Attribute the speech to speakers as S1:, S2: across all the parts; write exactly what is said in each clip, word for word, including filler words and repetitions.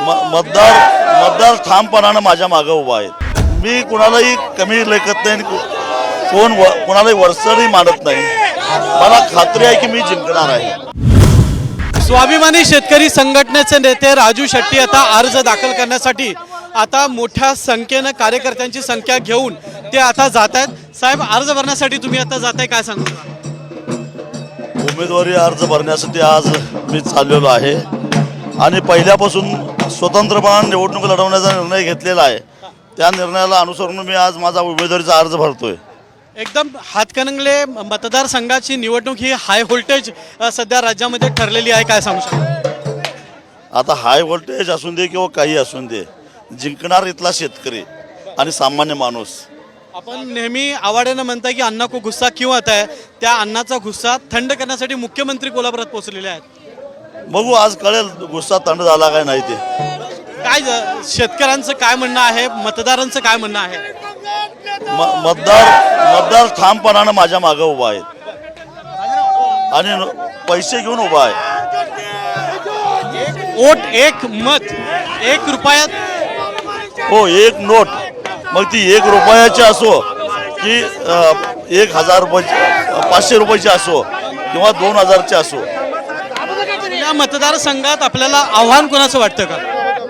S1: मतदार मतदार ठामपणानं माझ्या मागे उभा आहेत. मी कुणालाही कमी लेखत नाही, कोण कोणालाही वरचढही मानत नाही. मला खात्री आहे की मी जिंकणार आहे.
S2: स्वाभिमानी शेतकरी संघटनेचे नेते राजू शेट्टी आता अर्ज दाखल करण्यासाठी आता मोठ्या संख्येनं कार्यकर्त्यांची संख्या घेऊन ते आता जात आहेत. साहेब, अर्ज भरण्यासाठी तुम्ही आता जाताय, काय सांगू?
S1: उमेदवारी अर्ज भरण्यासाठी आज मी चाललेलो आहे आणि पहिल्यापासून स्वतंत्रपणे निवडणूक लढवण्याचा निर्णय घेतलेला आहे. त्या निर्णयाला अनुसरून मी आज माझा उमेदवारीचा अर्ज भरतोय.
S2: एकदम हातकणंगले मतदारसंघाची निवडणूक ही हाय व्होल्टेज सध्या राज्यामध्ये ठरलेली आहे, काय सांगू शकता?
S1: आता हाय व्होल्टेज असून दे किंवा काही असून दे, जिंकणार इथला शेतकरी आणि सामान्य माणूस.
S2: आपण नेहमी आवाड्यानं म्हणता की अन्ना को गुस्सा क्यों आता है, त्या अन्नाचा गुस्सा थंड करण्यासाठी मुख्यमंत्री कोल्हापुरात पोहोचलेले आहेत.
S1: बघू आज कळेल गुस्सा थंड झाला काय नाही. ते
S2: काय शेतकऱ्यांचं काय म्हणणं आहे, मतदारांचं काय म्हणणं आहे?
S1: मतदार मतदार ठामपणानं माझ्या मागे उभा आहेत आणि पैसे घेऊन उभा आहे.
S2: वोट एक मत एक रुपयात,
S1: हो, एक नोट, मग ती एक रुपयाची असो की एक हजार रुपयाची, पाचशे रुपयाची असो किंवा दोन हजारची असो.
S2: या मतदारसंघात आपल्याला आव्हान कोणाचं वाटतं का?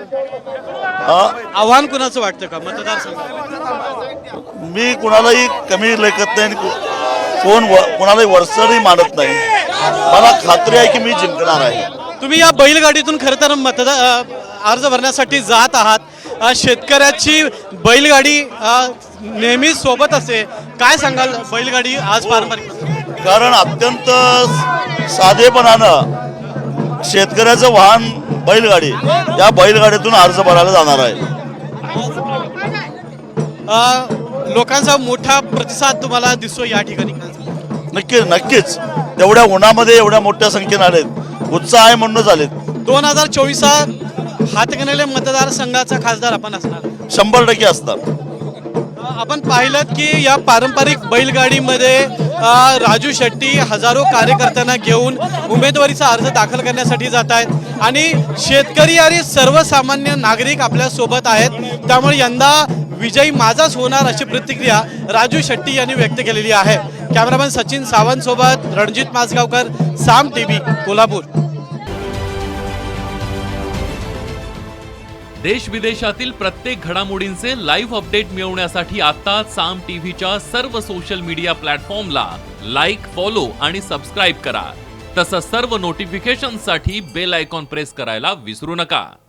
S2: आव्हान कोणाचं वाटतं का मतदारसंघात?
S1: मी कुणालाही कमी लेखत नाही, कोण कोणालाही वरचढही मानत नाही. मला खात्री आहे की मी जिंकणार आहे.
S2: तुम्ही या बैलगाडीतून खरं तर मतदार अर्ज भरण्यासाठी जात आहात. शेतकऱ्याची बैलगाडी नेहमी सोबत असते, काय सांगाल? बैलगाडी आज पारंपरिक,
S1: कारण अत्यंत साधेपणानं शेतकऱ्याचं वाहन बैलगाडी, या बैलगाडीतून अर्ज भरायला जाणार आहे.
S2: लोकांचा मोठा प्रतिसाद तुम्हाला दिसतो या ठिकाणी?
S1: नक्की नक्कीच तेवढ्या उन्हामध्ये एवढ्या मोठ्या संख्येने आलेत, उत्साह आहे म्हणूनच आलेत.
S2: दोन हजार चोवीस हातकणंगले मतदारसंघाचा खासदार आपण असणार?
S1: शंभर टक्के असतात.
S2: आपण पाहिलं की या पारंपरिक बैलगाडीमध्ये राजू शेट्टी हजारो कार्यकर्त्यांना घेऊन उमेदवारीचा अर्ज दाखल करण्यासाठी जात आहेत आणि शेतकरी आणि सर्वसामान्य नागरिक आपल्या सोबत आहेत. त्यामुळे यंदा विजयी माझाच होणार अशी प्रतिक्रिया राजू शेट्टी यांनी व्यक्त केलेली आहे. कॅमेरामॅन सचिन सावंत सोबत रणजित माजगावकर, साम टीव्ही, कोल्हापूर.
S3: देश विदेशातील प्रत्येक घडामोडींचे लाईव्ह अपडेट मिळवण्यासाठी आता साम टीव्हीच्या सर्व सोशल मीडिया प्लॅटफॉर्मला लाईक, फॉलो आणि सबस्क्राईब करा. तसंच सर्व नोटिफिकेशनसाठी बेल आयकॉन प्रेस करायला विसरू नका.